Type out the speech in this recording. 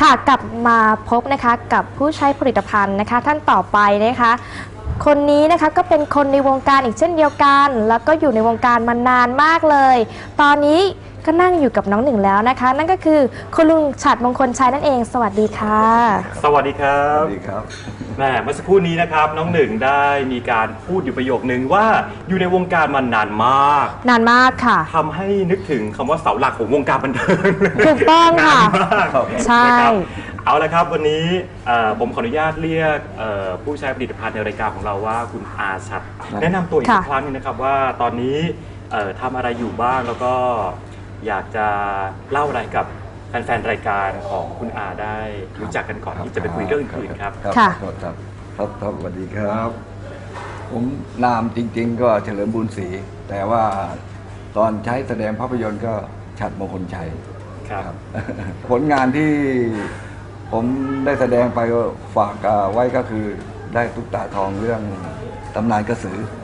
กลับมาพบนะคะกับผู้ใช้ผลิตภัณฑ์นะคะท่านต่อไปนะคะคนนี้นะคะก็เป็นคนในวงการอีกเช่นเดียวกันแล้วก็อยู่ในวงการมานานมากเลยตอนนี้ก็นั่งอยู่กับน้องหนึ่งแล้วนะคะนั่นก็คือคุณลุงฉัตรมงคลชัยนั่นเองสวัสดีค่ะสวัสดีครับสวัสดีครับแม่เมื่อสักครู่นี้นะครับน้องหนึ่งได้มีการพูดอยู่ประโยคนึงว่าอยู่ในวงการมานานมากค่ะทำให้นึกถึงคำว่าเสาหลักของวงการบันเทิงถูกต้องค่ะใช่เอาละครับวันนี้ผมขออนุญาตเรียกผู้ใช้ผลิตภัณฑ์ในรายการของเราว่าคุณอาชัดแนะนำตัวอีกครั้งนึงนะครับว่าตอนนี้ทำอะไรอยู่บ้างแล้วก็อยากจะเล่าอะไรกับแฟนๆรายการของคุณอาได้รู้จักกันก่อนที่จะไปคุยเรื่องอื่นครับครับสวัสดีครับผมนามจริงๆก็เฉลิมบุญศรีแต่ว่าตอนใช้แสดงภาพยนตร์ก็ฉัตรมงคลชัยครับผลงานที่ผมได้แสดงไปฝากไว้ก็คือได้ตุ๊กตาทองเรื่องตำนานกระสือ